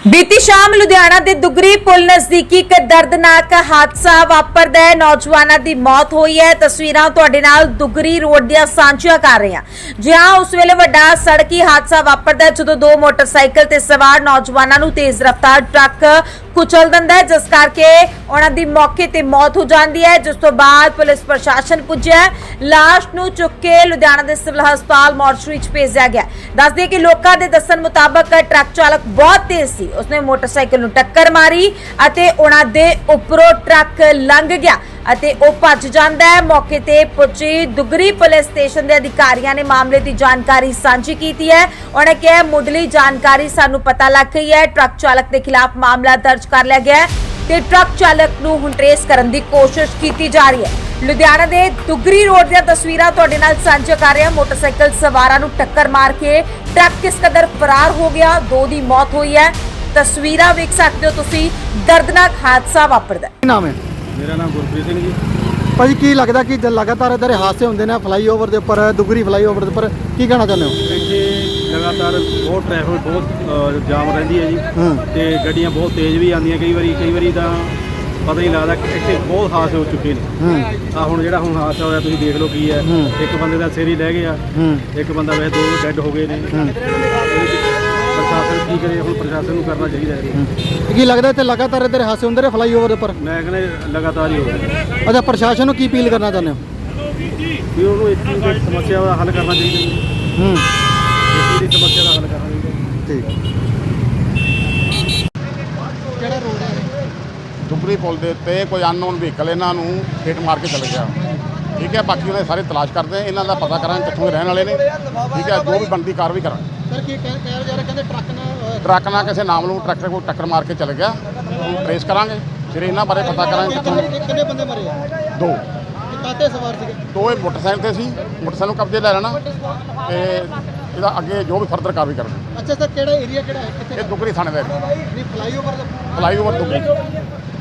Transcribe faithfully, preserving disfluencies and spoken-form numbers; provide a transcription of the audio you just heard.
बीती शाम लुधियाना के दुगरी पुल नजदीकी एक दर्दनाक हादसा वापरदा है। नौजवानों की मौत हुई है। तस्वीरां तुहाडे नाल दुगरी रोड दियां सांझियां कर रहे हैं। जी हां, उस वेले वड्डा सड़की हादसा वापरदा है जदों दो मोटरसाइकिल ते सवार नौजवानों नूं तेज रफ्तार ट्रक कुचल दिंदा है, जिस करके उन्हां दी मौके ते मौत हो जाती है। जिस तो बाद पुलिस प्रशासन पुज्जा, लाश नूं चुक के लुधियाना के सिविल हस्पताल मॉर्चरी च भेजा गया। दस दिए कि लोकां दे दस्सण मुताबक ट्रक चालक बहुत तेज सी, उसने मोटरसाइकिल नूं टक्कर मारी अते उन्हां दे उपरों ट्रक लंघ गया ਅਤੇ ਉਹ ਭੱਜ ਜਾਂਦਾ ਹੈ। मौके ਤੇ ਪੁੱਜੀ ਦੁਗਰੀ ਪੁਲਿਸ ਸਟੇਸ਼ਨ ਦੇ ਅਧਿਕਾਰੀਆਂ ਨੇ ਮਾਮਲੇ ਦੀ ਜਾਣਕਾਰੀ ਸਾਂਝੀ ਕੀਤੀ ਹੈ। ਉਹਨਾਂ ਕਿਹਾ ਮੁੱਢਲੀ ਜਾਣਕਾਰੀ ਸਾਨੂੰ ਪਤਾ ਲੱਗ ਗਈ ਹੈ, ਟਰੱਕ ਚਾਲਕ ਦੇ ਖਿਲਾਫ ਮਾਮਲਾ ਦਰਜ ਕਰ ਲਿਆ ਗਿਆ ਹੈ ਤੇ ਟਰੱਕ ਚਾਲਕ ਨੂੰ ਹੁਣ ਟ੍ਰੇਸ ਕਰਨ ਦੀ ਕੋਸ਼ਿਸ਼ ਕੀਤੀ ਜਾ ਰਹੀ ਹੈ। ਲੁਧਿਆਣਾ ਦੇ ਦੁਗਰੀ ਰੋਡ ਦੀਆਂ ਤਸਵੀਰਾਂ ਤੁਹਾਡੇ ਨਾਲ ਸਾਂਝਾ ਕਰ ਰਹੇ ਹਾਂ। ਮੋਟਰਸਾਈਕਲ ਸਵਾਰਾਂ ਨੂੰ ਟੱਕਰ ਮਾਰ ਕੇ ਟਰੱਕ ਕਿਸ ਕਦਰ ਫਰਾਰ ਹੋ ਗਿਆ, ਦੋ ਦੀ ਮੌਤ ਹੋਈ ਹੈ। ਤਸਵੀਰਾਂ ਵੇਖ ਸਕਦੇ ਹੋ ਤੁਸੀਂ, ਦਰਦਨਾਕ ਹਾਦਸਾ ਵਾਪਰਦਾ ਹੈ। ਨਾਮ ਹੈ मेरा नाम गुरप्रीत सिंह जी। ਭਾਜੀ ਕੀ ਲੱਗਦਾ ਕਿ ਜ- ਲਗਾਤਾਰ ਇਧਰ ਹਾਦਸੇ ਹੁੰਦੇ ਨੇ ਫਲਾਈਓਵਰ ਦੇ ਉੱਪਰ, ਦੁਗਰੀ ਫਲਾਈਓਵਰ ਦੇ ਉੱਪਰ, ਕੀ ਕਹਿਣਾ ਚਾਹੁੰਦੇ ਹੋ? ਇੱਥੇ ਲਗਾਤਾਰ ਬਹੁਤ ਟ੍ਰੈਫਿਕ ਬਹੁਤ ਅ, ਜਾਮ ਰਹਿੰਦੀ ਹੈ ਜੀ ਹੂੰ ਤੇ ਗੱਡੀਆਂ ਬਹੁਤ ਤੇਜ਼ ਵੀ ਆਉਂਦੀਆਂ ਕਈ ਵਾਰੀ ਕਈ ਵਾਰੀ ਤਾਂ ਪਤਾ ਨਹੀਂ ਲੱਗਦਾ ਕਿ ਇੱਥੇ ਬਹੁਤ ਹਾਦਸੇ ਹੋ ਚੁੱਕੇ ਨੇ। ਹੂੰ ਆ ਹੁਣ ਜਿਹੜਾ ਹੁਣ ਹਾਦਸਾ ਹੋਇਆ ਤੁਸੀਂ ਦੇਖ ਲਓ ਕੀ ਹੈ। ਹੂੰ। ਇੱਕ ਬੰਦੇ ਦਾ ਸਿਰ ਹੀ ਲੈ ਗਿਆ, ਹੂੰ ਇੱਕ ਬੰਦਾ ਵੈਸੇ ਦੋ ਡੈੱਡ ਹੋ ਗਏ ਨੇ। ਹੂੰ। ਪ੍ਰਸ਼ਾਸਨ ਕੀ ਕਰੇ ਹੁਣ, ਪ੍ਰਸ਼ਾਸਨ ਨੂੰ ਕਰਨਾ ਚਾਹੀਦਾ ਹੈ। ਹੂੰ। ਕੀ ਲੱਗਦਾ ਇੱਥੇ ਲਗਾਤਾਰ ਇਧਰ ਹਾਦਸੇ ਹੁੰਦੇ ਨੇ ਫਲਾਈਓਵਰ ਦੇ ਉੱਪਰ? ਮੈਂ ਕਹਿੰਦਾ ਲਗਾਤਾਰ ਹੀ ਹੋ ਰਿਹਾ ਅੱਛਾ, ਪ੍ਰਸ਼ਾਸਨ ਨੂੰ ਕੀ ਅਪੀਲ ਕਰਨਾ ਚਾਹੁੰਦੇ ਹੋ? ਵੀ ਉਹਨੂੰ ਇਸ ਚੀਜ਼ ਦੀ ਸਮੱਸਿਆ ਦਾ ਹੱਲ ਕਰਨਾ ਚਾਹੀਦਾ ਹੈ। ਹੂੰ ਇਸ ਚੀਜ਼ ਦੀ ਸਮੱਸਿਆ ਦਾ ਹੱਲ ਕਰਨਾ ਚਾਹੀਦਾ ਹੈ। ਠੀਕ। ਕਿਹੜਾ ਰੋਡ ਹੈ? ਦੁਗਰੀ ਪੁਲ ਦੇ ਉੱਤੇ ਕੋਈ ਅਨਨੋਨ ਵਹੀਕਲ ਇਹਨਾਂ ਨੂੰ ਹਿੱਟ ਮਾਰ ਕੇ ਚਲੇ ਗਿਆ। ਠੀਕ ਹੈ, ਬਾਕੀ ਉਹਨੇ ਸਾਰੇ ਤਲਾਸ਼ ਕਰਦੇ ਆ, ਇਹਨਾਂ ਦਾ ਪਤਾ ਕਰਾਂਗੇ ਕਿੱਥੋਂ ਦੇ ਰਹਿਣ ਵਾਲੇ ਨੇ। ਠੀਕ ਹੈ, ਜੋ ਵੀ ਬਣਦੀ ਕਾਰਵਾਈ ਕਰਾਂਗੇ। ਸਰ ਕੀ ਕਹਿ ਕਹਿ ਜਾ ਰਹੇ, ਕਹਿੰਦੇ ਟਰੱਕ ਨਾਲ ਟਰੱਕ ਨਾਲ ਕਿਸੇ ਨਾਮਲੂਮ ਟਰੈਕਟਰ ਕੋਲ ਟੱਕਰ ਮਾਰ ਕੇ ਚਲੇ ਗਿਆ, ਉਹਨੂੰ ਟਰੇਸ ਕਰਾਂਗੇ, ਫਿਰ ਇਹਨਾਂ ਬਾਰੇ ਪਤਾ ਕਰਾਂਗੇ ਕਿੱਥੋਂ। ਕਿੰਨੇ ਬੰਦੇ ਮਰੇ ਆ? ਦੋ ਕਾਤੇ ਸਵਾਰ ਸੀਗੇ? ਦੋ ਇਹ ਮੋਟਰਸਾਈਕਲ ਤੇ ਸੀ, ਮੋਟਰਸਾਈਕਲ ਨੂੰ ਕਬਜ਼ੇ ਲੈ ਲੈਣਾ ਤੇ ਇਹਦਾ ਅੱਗੇ ਜੋ ਵੀ ਫਰਦਰ ਕਾਰਵਾਈ ਕਰਾਂਗੇ। ਅੱਛਾ ਸਰ, ਕਿਹੜਾ ਏਰੀਆ ਕਿਹੜਾ ਹੈ, ਕਿੱਥੇ? ਇਹ ਦੁਗਰੀ ਥਾਣੇ ਦਾ ਨਹੀਂ ਫਲਾਈਓਵਰ ਦਾ ਫਲਾਈਓਵਰ ਦੁਗਰੀ।